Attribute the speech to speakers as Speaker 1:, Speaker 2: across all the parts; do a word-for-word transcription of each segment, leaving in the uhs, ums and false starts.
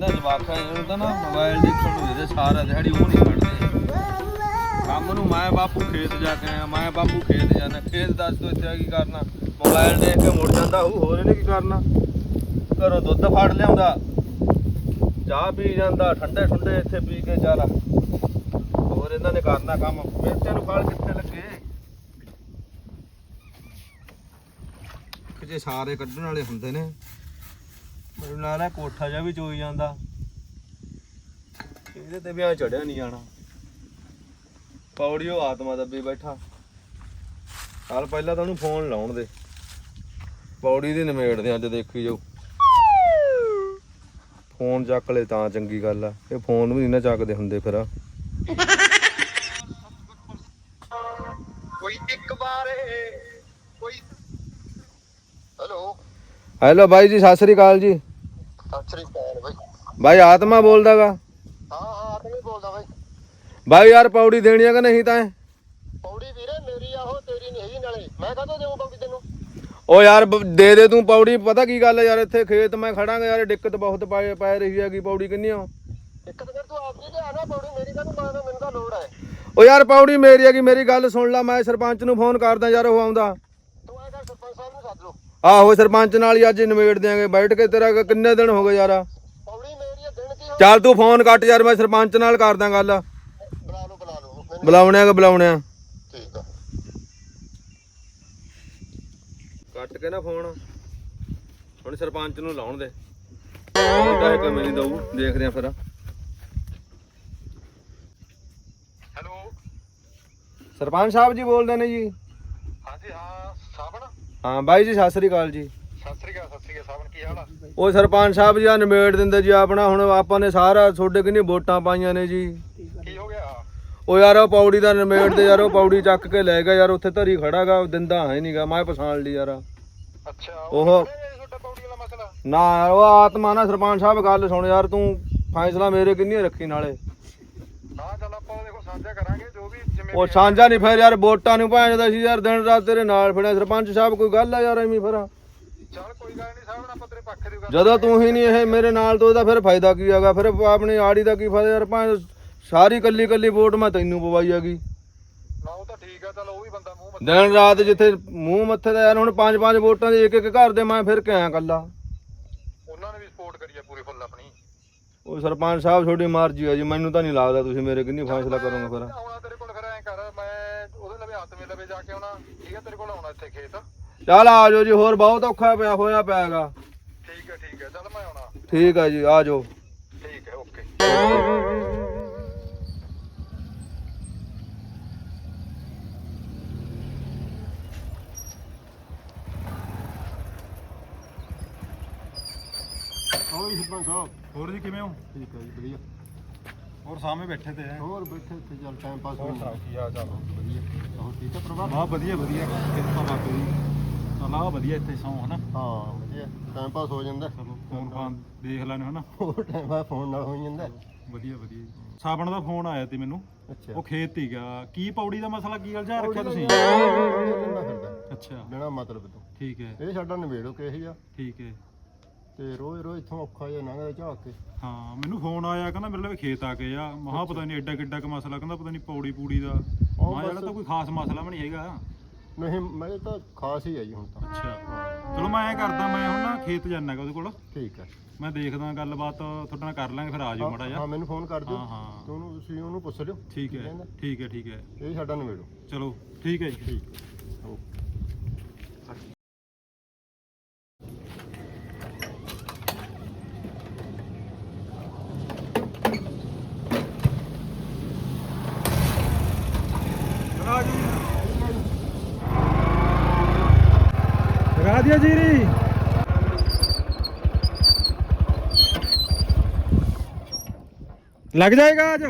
Speaker 1: ਇਹਨਾਂ ਜਵਾਕਾਂ ਨੂੰ ਤਾਂ ਨਾ ਮੋਬਾਈਲ ਦੇਖਣ ਨੂੰ ਇਹਦੇ ਸਾਰਾ ਦਿਹਾੜੀ ਉਹ ਨਹੀਂ ਕੱਢਦੇ ਕੰਮ ਨੂੰ। ਮੈਂ ਬਾਪੂ ਖੇਤ ਜਾ ਕੇ ਆਇਆ, ਮੈਂ ਬਾਪੂ ਖੇਤ ਜਾਣਾ। ਖੇਤ ਦੱਸ ਤੂੰ ਇੱਥੇ ਕੀ ਕਰਨਾ? ਮੋਬਾਈਲ ਦੇਖ ਕੇ ਮੁੜ ਜਾਂਦਾ ਉਹ, ਹੋਰ ਇਹਨੇ ਕੀ ਕਰਨਾ? ਘਰੋਂ ਦੁੱਧ ਫੜ ਲਿਆਉਂਦਾ, ਚਾਹ ਪੀ ਜਾਂਦਾ, ਠੰਡੇ ਠੰਡੇ ਇੱਥੇ ਪੀ ਕੇ ਚੱਲ। ਹੋਰ ਇਹਨਾਂ ਨੇ ਕਰਨਾ ਕੰਮ। ਮਿਰਚਾਂ ਨੂੰ ਫਲ ਕਿੱਥੇ ਲੱਗੇ? ਜੇ ਸਾਰੇ ਕੱਢਣ ਵਾਲੇ ਹੁੰਦੇ ਨੇ, ਮੈਨੂੰ ਲੱਗਦਾ ਕੋਠਾ ਜਿਹਾ ਵੀ ਚੋਈ ਜਾਂਦਾ। ਇਹਦੇ ਤੇ ਵੀ ਆ ਚੜਿਆ ਨਹੀਂ ਜਾਣਾ। ਪੌੜੀਓ ਆਤਮਾ ਦੱਬੀ ਬੈਠਾ। ਚੱਲ ਪਹਿਲਾਂ ਤਾਂ ਉਹਨੂੰ ਫੋਨ ਲਾਉਣ ਦੇ, ਪੌੜੀ ਦੀ ਨਿਮੇੜਦੇ ਅੱਜ, ਦੇਖੀ ਜਾਓ। ਫੋਨ ਚੱਕ ਲੈ ਤਾਂ ਚੰਗੀ ਗੱਲ ਆ, ਇਹ ਫੋਨ ਵੀ ਨਹੀਂ ਨਾ ਚੱਕਦੇ ਹੁੰਦੇ ਫਿਰ।
Speaker 2: ਕੋਈ ਇੱਕ ਵਾਰ ਕੋਈ ਹੈਲੋ
Speaker 1: ਹੈਲੋ ਬਾਈ ਜੀ, ਸਤਿ ਸ੍ਰੀ ਅਕਾਲ ਜੀ।
Speaker 2: ਸਤਿ ਸ੍ਰੀ ਅਕਾਲ ਬਾਈ।
Speaker 1: ਬਾਈ ਆਤਮਾ ਬੋਲਦਾ ਗਾ?
Speaker 2: ਹਾਂ ਹਾਂ ਆਤਮਾ ਹੀ ਬੋਲਦਾ ਬਾਈ।
Speaker 1: ਬਾਈ ਯਾਰ ਪੌੜੀ ਦੇਣੀ ਆ ਕਿ ਨਹੀਂ ਤਾਂ?
Speaker 2: ਪੌੜੀ ਵੀਰੇ ਮੇਰੀ ਆ, ਉਹ ਤੇਰੀ ਨਹੀਂ ਹੈਗੀ। ਨਾਲੇ ਮੈਂ ਕਾਹਤੋਂ ਦੇਵਾਂ ਪੌੜੀ ਤੈਨੂੰ?
Speaker 1: ਉਹ ਯਾਰ ਦੇ ਦੇ ਤੂੰ ਪੌੜੀ। ਪਤਾ ਕੀ ਗੱਲ ਯਾਰ, ਇੱਥੇ ਖੇਤ ਮੈਂ ਖੜਾਂਗਾ ਯਾਰ, ਦਿੱਕਤ ਬਹੁਤ ਪੈ ਪੈ ਰਹੀ ਹੈਗੀ। ਪੌੜੀ ਕਿੰਨੀ ਆ?
Speaker 2: ਇੱਕ ਤਾਂ ਫਿਰ ਤੂੰ ਆਪ ਜੀ ਲਿਆ ਨਾ ਪੌੜੀ, ਮੇਰੀ ਕਾਹਨੂੰ ਮਾਰਦਾ? ਮੈਨੂੰ ਤਾਂ ਲੋੜ ਹੈ।
Speaker 1: ਉਹ ਯਾਰ ਪੌੜੀ ਮੇਰੀ ਹੈਗੀ, ਮੇਰੀ ਗੱਲ ਸੁਣ ਲੈ। ਮੈਂ ਸਰਪੰਚ ਨੂੰ ਫੋਨ ਕਰਦਾ ਯਾਰ, ਉਹ ਆਉਂਦਾ।
Speaker 2: ਤੂੰ ਐ ਕਰ ਸਰਪੰਚ ਸਾਹਿਬ ਨੂੰ ਸੱਦ ਲਓ।
Speaker 1: ਆਹੋ ਸਰਪੰਚ ਨਾਲ ਹੀ ਅੱਜ ਨਿਬੇੜ ਦਿਆਂਗੇ ਬੈਠ ਕੇ। ਤੇਰਾ ਕਿੰਨੇ ਦਿਨ ਹੋ ਗਏ ਯਾਰ?
Speaker 2: ਪੌੜੀ ਮੇਰੀ ਆ, ਦਿਨ ਕੀ ਹੋ?
Speaker 1: ਚੱਲ ਤੂੰ ਫੋਨ ਕੱਟ ਯਾਰ, ਮੈਂ ਸਰਪੰਚ ਨਾਲ ਕਰਦਾ ਗੱਲ।
Speaker 2: ਬੁਲਾ ਲਓ ਬੁਲਾ ਲਓ ਮੈਨੂੰ।
Speaker 1: ਬੁਲਾਉਣਿਆ ਕਿ ਬੁਲਾਉਣਿਆ?
Speaker 2: ਠੀਕ ਆ,
Speaker 1: ਕੱਟ ਕੇ ਨਾ ਫੋਨ। ਹੁਣ ਸਰਪੰਚ ਨੂੰ ਲਾਉਣ ਦੇ, ਕਾਹੇ ਕੋਈ ਨਹੀਂ ਦਊ। ਦੇਖਦੇ ਆ ਫਿਰ।
Speaker 2: ਹੈਲੋ
Speaker 1: ਸਰਪੰਚ ਸਾਹਿਬ ਜੀ ਬੋਲਦੇ ਨੇ ਜੀ?
Speaker 2: ਹਾਂਜੀ ਹਾਂ ਸਾਬਣ।
Speaker 1: ਹਾਂ ਬਾਈ ਜੀ, ਸਤਿ ਸ੍ਰੀ ਅਕਾਲ ਜੀ।
Speaker 2: ਸਤਿ ਸ੍ਰੀ ਅਕਾਲ। ਸਤਿ ਸ੍ਰੀ ਅਕਾਲ ਸਾਬਣ, ਕੀ ਹਾਲ ਆ?
Speaker 1: ਉਹ ਸਰਪੰਚ ਸਾਹਿਬ ਜੀ ਆ ਨਿਬੇੜ ਦਿੰਦੇ ਜੀ ਆਪਣਾ। ਹੁਣ ਆਪਾਂ ਨੇ ਸਾਰਾ ਤੁਹਾਡੇ ਕਿੰਨੀ ਵੋਟਾਂ ਪਾਈਆਂ ਨੇ ਜੀ।
Speaker 2: ਕੀ ਹੋ ਗਿਆ?
Speaker 1: ਉਹ ਯਾਰ ਉਹ ਪੌੜੀ ਦਾ ਨਿਬੇੜ ਦੇ ਯਾਰ। ਉਹ ਪੌੜੀ ਚੱਕ ਕੇ ਲੈ ਗਿਆ ਯਾਰ, ਉੱਥੇ ਧਰੀ ਖੜਾਗਾ, ਦਿੰਦਾ ਹੈ ਨਹੀਂਗਾ। ਮੈਂ ਪਛਾਣ ਲਈ ਯਾਰ।
Speaker 2: ਅੱਛਾ
Speaker 1: ਉਹ
Speaker 2: ਤੁਹਾਡਾ ਪੌੜੀ ਵਾਲਾ ਮਸਲਾ?
Speaker 1: ਨਾ ਯਾਰ ਉਹ ਆਤਮਾ ਨਾ। ਸਰਪੰਚ ਸਾਹਿਬ ਗੱਲ ਸੁਣ ਯਾਰ, ਤੂੰ ਫੈਸਲਾ ਮੇਰੇ ਕਿੰਨੀ ਰੱਖੀ ਨਾਲੇ।
Speaker 2: ਹਾਂ ਚੱਲ ਆਪਾਂ ਦੇਖੋ ਸਾਂਝਾ ਕਰਾਂਗੇ ਜੋ ਵੀ ਜਿਵੇਂ।
Speaker 1: ਉਹ ਸਾਂਝਾ ਨਹੀਂ ਫਿਰ ਯਾਰ, ਵੋਟਾਂ ਨੂੰ ਭੈਣਦਾ ਸੀ ਯਾਰ, ਦਿਨ ਰਾਤ ਤੇਰੇ ਨਾਲ ਫਿਰਿਆ। ਸਰਪੰਚ ਸਾਹਿਬ ਕੋਈ ਗੱਲ ਆ ਯਾਰ ਐਵੇਂ ਫਿਰ?
Speaker 2: ਚੱਲ ਕੋਈ ਗੱਲ ਨਹੀਂ ਸਾਬਣ, ਆਪਾਂ ਤੇਰੇ ਪੱਖ ਦੀ ਗੱਲ।
Speaker 1: ਜਦੋਂ ਤੂੰ ਹੀ ਨਹੀਂ ਇਹ ਮੇਰੇ ਨਾਲ, ਤੋਂ ਇਹਦਾ ਫਿਰ ਫਾਇਦਾ ਕੀ ਹੈਗਾ? ਫਿਰ ਆਪਣੀ ਆੜੀ ਦਾ ਕੀ ਫਾਇਦਾ ਯਾਰ? ਭਾਵੇਂ ਸਾਰੀ ਕੱਲੀ ਕੱਲੀ ਵੋਟ ਮੈਂ ਤੈਨੂੰ ਪਵਾਈ ਹੈਗੀ।
Speaker 2: ਨਾ ਉਹ ਤਾਂ ਠੀਕ ਆ, ਚੱਲ ਉਹ ਵੀ ਬੰਦਾ ਮੂੰਹ ਮੱਥੇ।
Speaker 1: ਦਿਨ ਰਾਤ ਜਿੱਥੇ ਮੂੰਹ ਮੱਥੇ ਦਾ ਯਾਰ। ਹੁਣ ਪੰਜ ਪੰਜ ਵੋਟਾਂ ਦੇ ਇੱਕ ਇੱਕ ਘਰ ਦੇ ਮੈਂ ਫਿਰ ਕੇ ਆਇਆ ਕੱਲਾ।
Speaker 2: ਉਹਨਾਂ ਨੇ ਵੀ ਸਪੋਰਟ ਕਰੀ ਆ ਪੂਰੀ ਫੁੱਲ ਆਪਣੀ।
Speaker 1: ਉਹ ਸਰਪੰਚ ਸਾਹਿਬ ਤੁਹਾਡੀ ਮਰਜ਼ੀ ਹੈ ਜੀ, ਮੈਨੂੰ ਤਾਂ ਨਹੀਂ ਲੱਗਦਾ ਤੁਸੀਂ ਮੇਰੇ ਕਿੰਨੀ ਫੈਸਲਾ ਕਰੋਗੇ ਫਿਰ।
Speaker 2: ਆਉਣਾ ਤੇਰੇ ਕੋਲ ਫਿਰ ਐਂ ਕਰ, ਮੈਂ ਉਹਦੇ ਲਵੇ ਹੱਥ ਮੇ ਲਵੇ ਜਾ ਕੇ ਆਉਣਾ। ਠੀਕ ਆ, ਤੇਰੇ ਕੋਲ ਆਉਣਾ ਇੱਥੇ ਖੇਤ।
Speaker 1: ਚੱਲ ਆ ਜਾਓ ਜੀ, ਹੋਰ ਬਹੁਤ ਔਖਾ ਪਿਆ ਹੋਇਆ ਪਿਆਗਾ।
Speaker 2: ਠੀਕ ਹੈ ਠੀਕ ਹੈ, ਚੱਲ ਮੈਂ ਆਉਣਾ।
Speaker 1: ਠੀਕ ਹੈ ਜੀ, ਆ ਜਾਓ।
Speaker 2: ਠੀਕ ਹੈ, ਓਕੇ।
Speaker 3: ਹੋਰ ਜੀ ਸਰਪੰਚ ਸਾਹਿਬ।
Speaker 4: ਹੋਰ ਜੀ ਕਿਵੇਂ ਹੋ?
Speaker 3: ਠੀਕ ਹੈ ਜੀ, ਵਧੀਆ।
Speaker 4: ਹੋਰ ਸਾਹਮਣੇ ਬੈਠੇ ਤੇ ਹੈ।
Speaker 3: ਹੋਰ ਬੈਠੇ ਇੱਥੇ ਚੱਲ ਟਾਈਮ ਪਾਸ ਹੋ
Speaker 4: ਹੋਰ
Speaker 3: ਜਾਂਦਾ।
Speaker 4: ਸੁਣਾਓ ਕੀ ਹਾਲ ਚਾਲ?
Speaker 3: ਵਧੀਆ। ਹੋਰ ਠੀਕ ਹੈ ਪਰਿਵਾਰ?
Speaker 4: ਬਹੁਤ ਵਧੀਆ ਵਧੀਆ, ਕਿਰਪਾ ਬਾਬੇ ਦੀ। ਚਲਾ ਵਧੀਆ ਇੱਥੇ ਸੌਂ ਹਨਾ।
Speaker 3: ਹਾਂ ਵਧੀਆ, ਟਾਈਮ ਪਾਸ ਹੋ ਜਾਂਦਾ।
Speaker 4: ਚਲੋ ਫੋਨ ਫਾਨ ਦੇਖ ਲੈਣੇ ਹਨਾ।
Speaker 3: ਹੋਰ ਟਾਈਮ ਪਾਸ ਫੋਨ ਨਾਲ ਹੋ ਜਾਂਦਾ।
Speaker 4: ਵਧੀਆ ਵਧੀਆ ਜੀ। ਸਾਬਣ ਦਾ ਫੋਨ ਆਇਆ ਤੇ ਮੈਨੂੰ,
Speaker 3: ਅੱਛਾ।
Speaker 4: ਉਹ ਖੇਤ ਹੀ ਗਿਆ। ਕੀ ਪੌੜੀ ਦਾ ਮਸਲਾ ਕੀ ਗੱਲ ਜਾ ਰੱਖਿਆ ਤੁਸੀਂ? ਅੱਛਾ
Speaker 3: ਬਿਨਾਂ ਮਤਲਬ ਤੋਂ।
Speaker 4: ਠੀਕ ਹੈ
Speaker 3: ਇਹ ਸਾਡਾ ਨਿਬੇੜੋ ਕਿਹੋ ਜਿਹਾ,
Speaker 4: ਠੀਕ ਹੈ।
Speaker 3: ਤੇ ਰੋਜ਼ ਰੋਜ਼ ਇੱਥੋਂ ਔਖਾ ਜਿਹਾ ਲੰਘਦਾ ਝਾਕ ਕੇ।
Speaker 4: ਹਾਂ ਮੈਨੂੰ ਫੋਨ ਆਇਆ, ਕਹਿੰਦਾ ਮੇਰੇ ਲਈ ਖੇਤ ਆ ਕੇ ਆ। ਮਹਾ ਪਤਾ ਨਹੀਂ ਐਡਾ ਕਿੱਡਾ ਕ ਮਸਲਾ, ਕਹਿੰਦਾ ਪਤਾ ਨਹੀਂ ਪੌੜੀ ਪੂੜੀ ਦਾ। ਮਾ ਜਿਹੜਾ ਤਾਂ ਕੋਈ ਖਾਸ ਮਸਲਾ ਵੀ ਨਹੀਂ ਹੈਗਾ।
Speaker 3: ਨਹੀਂ ਮੈਂ ਤਾਂ ਖਾਸ ਹੀ ਹੈ ਜੀ ਹੁਣ ਤਾਂ।
Speaker 4: ਅੱਛਾ ਚਲੋ ਮੈਂ ਐਂ ਕਰਦਾ, ਮੈਂ ਹੁਣ ਨਾ ਖੇਤ ਜਾਣਾ ਗਾ ਉਹਦੇ ਕੋਲ।
Speaker 3: ਠੀਕ ਹੈ।
Speaker 4: ਮੈਂ ਦੇਖਦਾ ਗੱਲਬਾਤ ਤੁਹਾਡੇ ਨਾਲ ਕਰ ਲਾਂਗੇ, ਫਿਰ ਆ ਜਾਓ ਮਾੜਾ ਜਿਹਾ।
Speaker 3: ਹਾਂ ਮੈਨੂੰ ਫੋਨ ਕਰ ਦਿਓ।
Speaker 4: ਹਾਂ, ਹਾਂ।
Speaker 3: ਤੇ ਉਹਨੂੰ ਤੁਸੀਂ ਉਹਨੂੰ ਪੁੱਛ ਲਿਓ।
Speaker 4: ਠੀਕ ਹੈ ਠੀਕ ਹੈ ਠੀਕ ਹੈ।
Speaker 3: ਇਹ ਸਾਡਾ ਨਿਬੇੜੋ।
Speaker 4: ਚਲੋ ਠੀਕ ਹੈ ਜੀ।
Speaker 3: ਠੀਕ ਹੈ, ਓਕੇ।
Speaker 4: लगा दिया जीरी। लग जाएगा आज।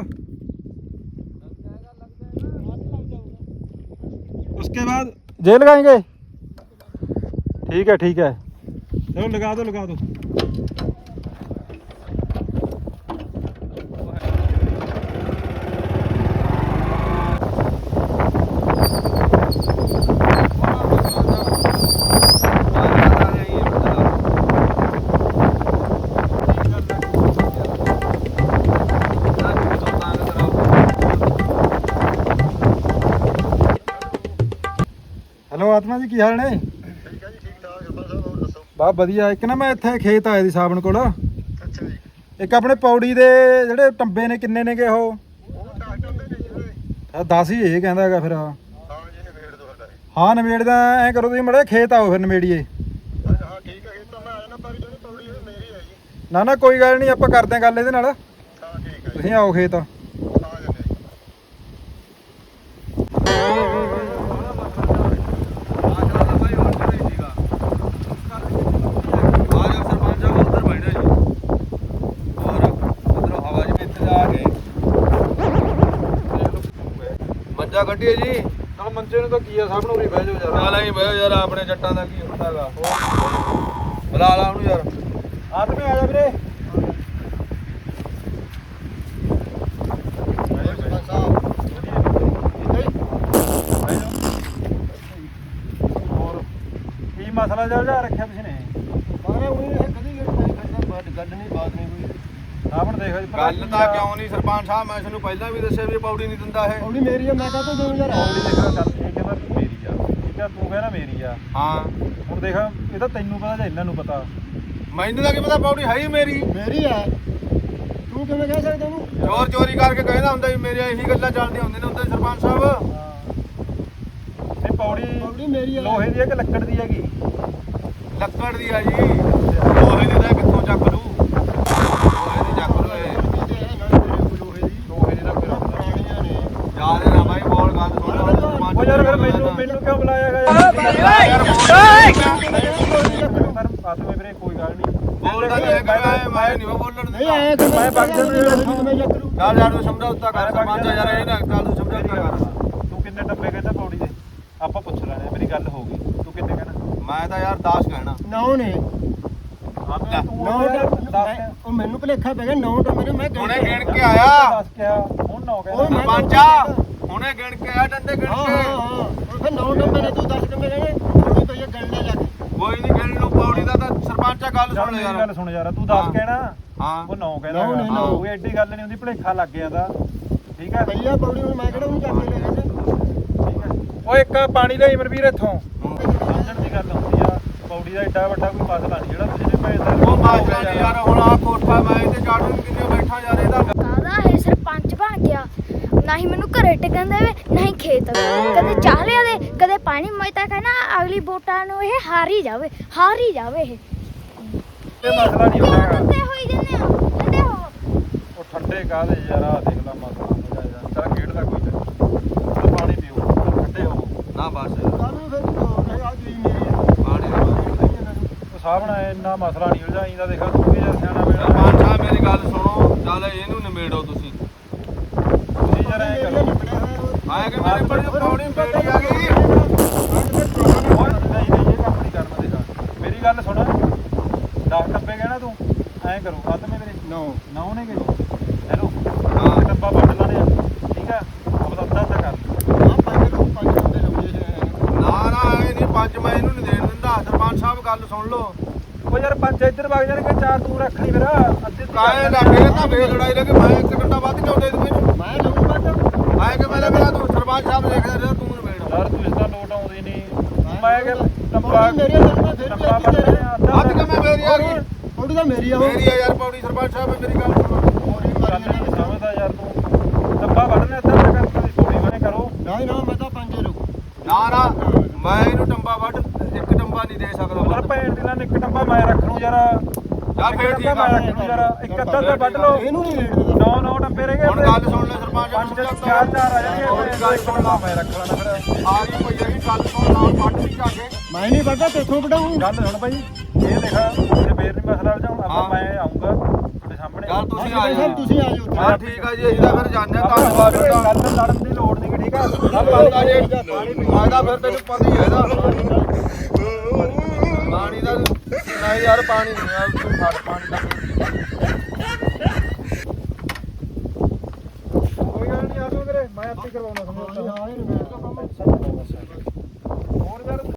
Speaker 4: उसके बाद जेल लगाएंगे। ठीक है ठीक है, चलो लगा दो लगा दो।
Speaker 5: ਜੀ ਕੀ ਹਾਲ ਨੇ?
Speaker 3: ਠੀਕ ਹੈ ਜੀ, ਠੀਕ ਠਾਕ ਸਰਪੰਚ ਸਾਹਿਬ, ਹੋਰ ਦੱਸੋ।
Speaker 5: ਬਾ ਵਧੀਆ। ਇੱਕ ਨਾ ਮੈਂ ਇੱਥੇ ਖੇਤ ਆਇਆ ਸੀ ਸਾਬਣ ਕੋਲ।
Speaker 3: ਅੱਛਾ ਜੀ।
Speaker 5: ਇੱਕ ਆਪਣੇ ਪੌੜੀ ਦੇ ਜਿਹੜੇ ਟੰਬੇ ਨੇ ਕਿੰਨੇ ਨੇਗੇ ਉਹ?
Speaker 3: ਉਹ ਡਾਕਟਰ ਦੇ ਨੇ ਜੀ ਉਹਦੇ।
Speaker 5: ਦਸ ਹੀ ਇਹ ਕਹਿੰਦਾ ਹੈਗਾ ਫਿਰ।
Speaker 3: ਹਾਂ ਜੀ, ਨਵੇੜ ਦੋ ਸਾਡਾ।
Speaker 5: ਹਾਂ ਨਵੇੜਦਾ। ਐਂ ਕਰੋ ਤੁਸੀਂ ਮੜੇ ਖੇਤ ਆਓ ਫਿਰ ਨਵੇੜੀਏ।
Speaker 3: ਅੱਛਾ ਹਾਂ ਠੀਕ ਹੈ, ਇਹ ਤਾਂ ਮੈਂ ਆ ਜਾਣਾ, ਪਰ ਜਿਹੜੀ ਪੌੜੀ ਉਹ ਮੇਰੀ ਹੈ ਜੀ।
Speaker 5: ਨਾ ਨਾ ਕੋਈ ਗੱਲ ਨਹੀਂ, ਆਪਾਂ ਕਰਦੇ ਹਾਂ ਗੱਲ ਇਹਦੇ ਨਾਲ।
Speaker 3: ਹਾਂ ਠੀਕ ਹੈ ਜੀ,
Speaker 5: ਤੁਸੀਂ ਆਓ ਖੇਤ।
Speaker 3: ਆ ਜਾਂਦੇ ਜੀ।
Speaker 1: ਮੰਜਾ ਕੱਢੀਏ ਜੀ।
Speaker 5: ਨਾਲ ਮੰਜੇ ਨੂੰ ਤਾਂ ਕੀ ਆ, ਸਭ ਨੂੰ ਉਰੀ ਬਹਿ ਜਾਓ ਯਾਰ।
Speaker 1: ਨਾਲ ਹੀ ਬਹਿ ਯਾਰ, ਆਪਣੇ ਜੱਟਾਂ ਦਾ ਕੀ ਹੁੰਦਾਗਾ। ਬੁਲਾ ਲਾ ਉਹਨੂੰ ਯਾਰ।
Speaker 5: ਆਦਮੀ ਆ ਜਾ ਵੀਰੇ।
Speaker 3: ਸਰਪੰਚ ਸਾਹਿਬ
Speaker 5: ਹੋਰ ਕੀ ਮਸਲਾ ਚੱਲ ਜਾ ਰੱਖਿਆ ਤੁਸੀਂ ਨੇ?
Speaker 3: ਮਾਰੇ ਉਹਨੇ ਇਹ ਕਦੀ ਗੱਲ ਗੱਲ ਨਹੀਂ, ਬਾਤ ਨਹੀਂ ਕੋਈ।
Speaker 5: ਸਾਬਣ ਦੇਖੋ ਜੀ।
Speaker 1: ਗੱਲ ਤਾਂ ਕਿਉਂ ਨਹੀਂ ਸਰਪੰਚ ਸਾਹਿਬ, ਮੈਂ ਤੁਹਾਨੂੰ ਪਹਿਲਾਂ ਵੀ ਦੱਸਿਆ ਵੀ ਪੌੜੀ ਨਹੀਂ ਦਿੰਦਾ ਇਹ।
Speaker 3: ਪੌੜੀ ਮੇਰੀ ਹੈ, ਮੈਂ ਕਾਹਤੋਂ ਦੇਵਾਂ ਯਾਰ।
Speaker 5: ਪੌੜੀ ਦੇਖੋ ਗੱਲ ਇਹ ਕਹਿੰਦਾ ਮੇਰੀ ਆ, ਠੀਕ ਆ, ਤੂੰ ਕਹਿੰਦਾ ਮੇਰੀ ਆ।
Speaker 1: ਹਾਂ
Speaker 5: ਹੁਣ ਦੇਖ ਇਹ ਤਾਂ ਤੈਨੂੰ ਪਤਾ ਜਾਂ ਇਹਨਾਂ ਨੂੰ ਪਤਾ।
Speaker 1: ਮੈਨੂੰ ਤਾਂ ਕੀ ਪਤਾ, ਪੌੜੀ ਹੈ ਹੀ ਮੇਰੀ।
Speaker 3: ਮੇਰੀ ਹੈ, ਤੂੰ ਕਿਵੇਂ ਕਹਿ ਸਕਦਾ ਉਹਨੂੰ?
Speaker 1: ਚੋਰ ਚੋਰੀ ਕਰਕੇ ਕਹਿੰਦਾ ਹੁੰਦਾ ਵੀ ਮੇਰੇ ਇਹੀ ਗੱਲਾਂ ਚੱਲਦੀਆਂ ਹੁੰਦੀਆਂ ਨੇ ਹੁੰਦੇ ਸਰਪੰਚ ਸਾਹਿਬ।
Speaker 5: ਇਹ ਪੌੜੀ
Speaker 3: ਪੌੜੀ ਮੇਰੀ ਹੈ।
Speaker 5: ਲੋਹੇ ਦੀ ਹੈ ਕਿ ਲੱਕੜ ਦੀ ਹੈਗੀ?
Speaker 1: ਲੱਕੜ ਦੀ ਆ ਜੀ। ਲੋਹੇ ਦੀ ਤਾਂ ਕਿੱਥੋਂ ਚੱਕ ਲੂ, ਲੋਹੇ ਦੀ ਚੱਕ ਲੂ ਇਹ। ਲੋਹੇ ਦੀ ਤਾਂ ਫਿਰ
Speaker 3: ਪੁਰਾਣੀਆਂ ਨੇ।
Speaker 1: ਯਾਰ ਇਹ ਨਾ ਬਾਈ ਬੋਲ ਗੱਲ ਸੁਣ ਲਾ ਸਰਪੰਚ।
Speaker 5: ਉਹ ਯਾਰ ਫਿਰ ਮੈਨੂੰ ਮੈਨੂੰ ਕਿਉਂ ਬੁਲਾਇਆ ਹੈਗਾ ਯਾਰ? ਆਤਮੇ ਵੀਰੇ ਕੋਈ ਗੱਲ ਨਹੀਂ।
Speaker 1: ਬੋਲ ਗੱਲ ਇਹ ਕਰ, ਮੈਂ ਨਹੀਂ ਬੋਲਣ
Speaker 3: ਨਹੀਂ
Speaker 1: ਦਿੰਦਾ।
Speaker 3: ਆਇਆ ਕਿ
Speaker 5: ਮੈਂ ਬਾਕੀ
Speaker 3: ਮੈਂ ਮੈਂ ਚੱਕ ਲੂ।
Speaker 1: ਯਾਰ ਯਾਰ ਨੂੰ ਸਮਝੌਤਾ ਕਰ ਸਰਪੰਚ ਯਾਰ, ਇਹ ਨਾ ਗੱਲ ਨੂੰ ਸਮਝੌਤਾ ਕਰ।
Speaker 5: ਤੂੰ ਕਿੰਨੇ ਡੱਬੇ ਕਹਿੰਦਾ ਪੌੜੀ ਦੇ? ਆਪਾਂ ਪੁੱਛ ਲੈਣੇ, ਮੇਰੀ ਗੱਲ ਹੋ ਗਈ। ਤੂੰ ਕਿੰਨੇ ਕਹਿਣਾ?
Speaker 1: ਮੈਂ ਤਾਂ ਯਾਰ ਦਸ ਕਹਿਣਾ।
Speaker 3: ਨੌ ਨੇ।
Speaker 5: ਹਾਂ ਤੂੰ
Speaker 3: ਨੌ
Speaker 5: ਦੱਸ।
Speaker 3: ਉਹ ਮੈਨੂੰ ਭੁਲੇਖਾ ਪੈ ਗਿਆ, ਨੌ ਤਾਂ ਮੇਰੇ ਮੈਂ
Speaker 1: ਹੁਣੇ ਗਿਣ ਕੇ ਆਇਆ
Speaker 5: ਦੱਸ ਕਿਹਾ ਹੁਣ ਨੌ
Speaker 3: ਉਹ
Speaker 5: ਕਹਿੰਦਾ।
Speaker 3: ਮੈਂ-
Speaker 1: ਸਰਪੰਚਾ ਹੁਣੇ ਗਿਣ ਕੇ ਆਇਆ, ਡੰਡੇ ਗਿਣ
Speaker 3: ਹਾਂ
Speaker 1: ਕੇ।
Speaker 3: ਹਾਂ ਹਾਂ ਉਹ ਫਿਰ ਨੌ ਡੰਬੇ ਨੇ, ਤੂੰ ਦਸ ਡੰਬੇ ਕਹਿਣੇ। ਥੋੜੀ ਪਈ ਗਣਨੇ ਲੱਗ।
Speaker 1: ਕੋਈ ਨਹੀਂ ਗਿਣ ਲੂ ਪੌੜੀ ਦਾ ਤਾਂ ਸਰਪੰਚਾ ਗੱਲ
Speaker 5: ਚੱਲ
Speaker 1: ਸੁਣ
Speaker 5: ਮੇਰੀ
Speaker 1: ਯਾਰ।
Speaker 5: ਗੱਲ ਸੁਣ ਯਾਰ, ਤੂੰ ਦੱਸ
Speaker 1: ਹਾਂ।
Speaker 5: ਕਹਿਣਾ।
Speaker 1: ਹਾਂ
Speaker 5: ਉਹ ਨੌ ਕਹਿੰਦਾ
Speaker 3: ਨੌ ਨੇ,
Speaker 5: ਹੈਗਾ।
Speaker 3: ਨੌ।
Speaker 5: ਕੋਈ ਐਡੀ ਗੱਲ ਨਹੀਂ ਹੁੰਦੀ, ਭੁਲੇਖਾ ਲੱਗ ਗਿਆ ਦਾ। ਠੀਕ ਹੈ
Speaker 3: ਪਈਆ ਪੌੜੀ ਨੂੰ ਮੈਂ ਕਿਹੜਾ ਉਹਨੂੰ ਚੱਕ ਕੇ ਲੈ ਗਿਆ।
Speaker 5: ਠੀਕ ਹੈ। ਉਹ ਇੱਕ ਪਾਣੀ ਲਈ ਮਨਵੀਰ ਇੱਥੋਂ ਸਮਝਣ ਦੀ ਗੱਲ ਹੁੰਦੀ ਆ। ਪੌੜੀ ਦਾ ਐਡਾ ਵੱਡਾ ਕੋਈ ਮਸਲਾ ਨਹੀਂ ਜਿਹੜਾ ਤੁਸੀਂ ਨੇ ਭੇਜਦਾ।
Speaker 1: ਉਹ ਮਾਜਰਾ ਨਹੀਂ ਯਾਰ, ਹੁਣ ਆ ਕੋਠਾ ਮੈਂ ਇੱਥੇ ਚਾੜਨ ਕਿੰਨੇ ਬੈਠਾ ਯਾਰ ਇਹਦਾ।
Speaker 6: ਕਾਹਦਾ ਇਹ ਸਰਪੰਚ ਬਣ ਗਿਆ? ਨਾ ਹੀ ਮੈਨੂੰ ਘਰੇ ਟਿਕਣ ਦੇਵੇ, ਨਾ ਹੀ ਖੇਤ। ਕਦੇ ਚਾਹ ਲਿਆ ਦੇ, ਕਦੇ ਪਾਣੀ। ਮੈਂ ਤਾਂ ਕਹਿਣਾ ਅਗਲੀ ਵੋਟਾਂ ਨੂੰ ਇਹ ਹਾਰ ਹੀ ਜਾਵੇ, ਹਾਰ ਹੀ ਜਾਵੇ ਇਹ।
Speaker 5: ਇਹ ਮਸਲਾ ਨਹੀਂ ਹੁੰਦਾ ਹੈਗਾ।
Speaker 6: ਠੰਡੇ ਹੋਈ ਜੰਨੇ ਹੋ, ਠੰਡੇ ਹੋ।
Speaker 5: ਉਹ ਠੰਡੇ ਕਾਹਦੇ ਯਾਰ, ਆ ਦੇਖ ਲਾ ਮਸਲਾ ਹੋ ਜਾ ਯਾਰ। ਚੱਲ ਖੇਡਦਾ ਕੋਈ ਚੱਲ ਪਾਣੀ ਪੀਓ, ਠੰਡੇ ਹੋ।
Speaker 1: ਨਾ ਬਸ
Speaker 3: ਕਾਹਨੂੰ ਫਿਰ ਤੂੰ ਕਹਿ ਆ ਜੀ ਮੇਰੀ ਹੈ।
Speaker 1: ਪਾਣੀ ਦਾ
Speaker 5: ਉਹ ਸਾਹਮਣਾ ਇੰਨਾ ਮਸਲਾ ਨਹੀਂ ਉਲਝਾਈਂਦਾ। ਦੇਖਾ ਤੂੰ ਵੀ ਯਾਰ ਸਿਆਣਾ ਬੇੜਾ।
Speaker 1: ਸਰਪੰਚ ਸਾਹਿਬ ਮੇਰੀ ਗੱਲ ਸੁਣੋ, ਚੱਲ ਇਹਨੂੰ ਨਿਮੇੜੋ ਤੁਸੀਂ।
Speaker 5: ਤੁਸੀਂ ਯਾਰ ਐਂ ਕਰੋ।
Speaker 1: ਆਏ ਕਿ ਮੇਰੇ ਬੜੀ ਪੌੜੀ ਬੇੜੀ ਆ ਗਈ।
Speaker 5: ਹੋਰ ਨਹੀਂ ਨਹੀਂ ਇਹ ਕੰਮ ਨਹੀਂ ਕਰਨਾ। ਦੇਖਾ ਮੇਰੀ ਗੱਲ ਸੁਣ, ਦਸ ਡੱਬੇ ਕਹਿਣਾ ਤੂੰ। ਐਂ ਕਰੋ ਆਦਮੇ ਵੀਰੇ
Speaker 3: ਨੌ
Speaker 5: ਨੌ ਨੇ ਗਏ। ਹੈਲੋ
Speaker 1: ਹਾਂ।
Speaker 5: ਡੱਬਾ ਵੱਢ ਲੈਣੇ ਆ, ਠੀਕ ਆ। ਆਪਦਾ ਅੱਧਾ ਅੱਧਾ ਕਰ।
Speaker 3: ਆ ਪੰਜ ਨੂੰ ਪੰਜ ਡੰਬੇ ਲਾਉਂਦੇ ਸੀ।
Speaker 1: ਨਾ ਨਾ ਇਹ ਨਹੀਂ ਪੰਜ ਮੈਂ ਇਹਨੂੰ ਨਹੀਂ ਦੇਣ ਦਿੰਦਾ। ਸਰਪੰਚ ਸਾਹਿਬ ਗੱਲ ਸੁਣ ਲਓ।
Speaker 5: ਉਹ ਯਾਰ ਪੰਜ ਇੱਧਰ ਵਗ ਜਾਣਗੇ, ਚਾਰ ਤੂੰ ਰੱਖ ਲਈ ਫਿਰ। ਅੱਧੇ ਤੂੰ
Speaker 1: ਕਾਏ ਲੱਗੇ ਤਾਂ ਫੇਰ ਲੜਾਈ ਲੱਗੇ। ਮੈਂ ਇੱਕ ਘੰਟਾ ਵੱਧ ਕਿਉਂ ਦੇ ਦੂੰ ਮੈਨੂੰ?
Speaker 3: ਮੈਂ ਲਊਂ ਵੱਧ।
Speaker 1: ਆਏ ਕਿ ਮੇਰੇ ਮੇਰਾ ਤੂੰ ਸਰਪੰਚ ਸਾਹਿਬ ਦੇਖਦਾ ਰਿਹਾ ਤੂੰ ਨਿਮੇੜ।
Speaker 5: ਯਾਰ ਤੂੰ ਇਸ ਦਾ ਲੋਟ ਆਉਂਦੀ ਨਹੀਂ। ਮੈਂ ਕਿ ਡੱਬਾ
Speaker 3: ਪੌੜੀ ਮੇਰੀ ਹੈ, ਮੈਂ ਫਿਰ
Speaker 5: ਡੱਬਾ
Speaker 3: ਵੀ ਲੈ ਕੇ ਦੇ ਰਿਹਾ।
Speaker 5: ਅੱਧਾ
Speaker 1: ਵੱਧ ਕਿਵੇਂ ਮੇਰੀ ਆ ਗਈ?
Speaker 3: ਪੌੜੀ ਤਾਂ ਮੇਰੀ ਆ ਉਹ।
Speaker 1: ਮੇਰੀ ਆ ਯਾਰ ਪੌੜੀ। ਸਰਪੰਚ ਸਾਹਿਬ ਮੇਰੀ ਗੱਲ ਸੁਣੋ।
Speaker 3: ਪੌੜੀ
Speaker 5: ਗੱਲ
Speaker 3: ਮਾਰੀ
Speaker 5: ਨਹੀਂ ਸਮਝਦਾ ਯਾਰ ਤੂੰ। ਡੱਬਾ ਵੱਢਣੇ ਅੱਧਾ ਅੱਧਾ ਕਰ, ਤੁਸੀਂ ਥੋੜੀ ਬਣੇ ਕਰੋ।
Speaker 3: ਨਾ ਨਾ ਮੈਂ ਤਾਂ ਪੰਜੇ ਲਊਂ।
Speaker 1: ਨਾ ਨਾ ਮੈਂ ਇਹਨੂੰ ਟੰਬਾ ਵੱਢ ਇੱਕ ਟੰਬਾ ਨਹੀਂ ਦੇ ਸਕਦਾ
Speaker 5: ਯਾਰ
Speaker 1: ਵੱਧ।
Speaker 5: ਭੈਣ ਦੀ ਨਾਲ ਇੱਕ ਡੱਬਾ ਮੈਂ ਰੱਖ ਲੂੰ ਯਾਰ।
Speaker 1: ਯਾਰ ਫੇਰ ਠੀਕ ਆ।
Speaker 5: ਮੈਂ ਰੱਖ ਲੂੰ ਯਾਰ। ਇੱਕ ਅੱਧਾ ਅੱਧਾ ਵੱਢ ਲਓ।
Speaker 3: ਇਹਨੂੰ ਨਹੀਂ ਰੇਟ ਦਿੰਦਾ।
Speaker 5: ਨੌ ਨੌ ਡੱਬੇ ਰਹਿ ਗਏ।
Speaker 1: ਹੁਣ ਗੱਲ ਸੁਣ ਲੈ ਸਰਪੰਚ
Speaker 5: ਪੰਜ
Speaker 1: ਸਮਝੌਤਾ।
Speaker 5: ਚਾਰ ਚਾਰ ਆ ਜਾਣਗੇ।
Speaker 1: ਹੋਰ ਗੱਲ ਸੁਣ ਲਾ।
Speaker 5: ਮੈਂ ਰੱਖ ਲੈਣਾ ਫਿਰ।
Speaker 1: ਆ ਗਈ ਭਈਆ ਦੀ ਗੱਲ ਸੁਣ ਲਾ। ਵੱਢ ਵੀ ਜਾ ਕੇ
Speaker 3: ਮੈਂ ਨਹੀਂ ਵੱਧਦਾ, ਤੇਥੋਂ ਵਡਾਊਂ।
Speaker 5: ਗੱਲ ਸੁਣ ਭਾਈ, ਇਹ ਦੇਖਾ ਜੇ ਫੇਰ ਨਹੀਂ ਮਸਲਾ ਵਜਾਉਣ ਆਪਾਂ।
Speaker 1: ਹਾਂ।
Speaker 5: ਮੈਂ ਆਉਂਗਾ ਤੁਹਾਡੇ ਸਾਹਮਣੇ।
Speaker 1: ਯਾਰ ਤੁਸੀਂ ਆ
Speaker 3: ਸਾਹਿਬ
Speaker 1: ਜਾਓ।
Speaker 3: ਤੁਸੀਂ ਆ ਜਾਓ ਉੱਥੇ।
Speaker 1: ਹਾਂ ਠੀਕ ਆ ਜੀ, ਅਸੀਂ ਤਾਂ ਫਿਰ ਜਾਂਦੇ ਆ ਧੰਨਵਾਦ
Speaker 5: ਗੱਲ
Speaker 1: ਤੁਹਾਡਾ।
Speaker 5: ਲੜਨ ਦੀ ਲੋੜ ਨਹੀਂ, ਠੀਕ ਆ।
Speaker 1: ਆਪਾਂ ਜੀ ਮੈਂ ਤਾਂ ਫਿਰ ਤੈਨੂੰ ਪਤਾ ਹੀ ਹੈਗਾ ਪਾਣੀ ਦਾ। ਨਹੀਂ ਯਾਰ ਪਾਣੀ ਨਹੀਂ ਆ, ਤੂੰ ਫੜ ਪਾਣੀ ਦਾ।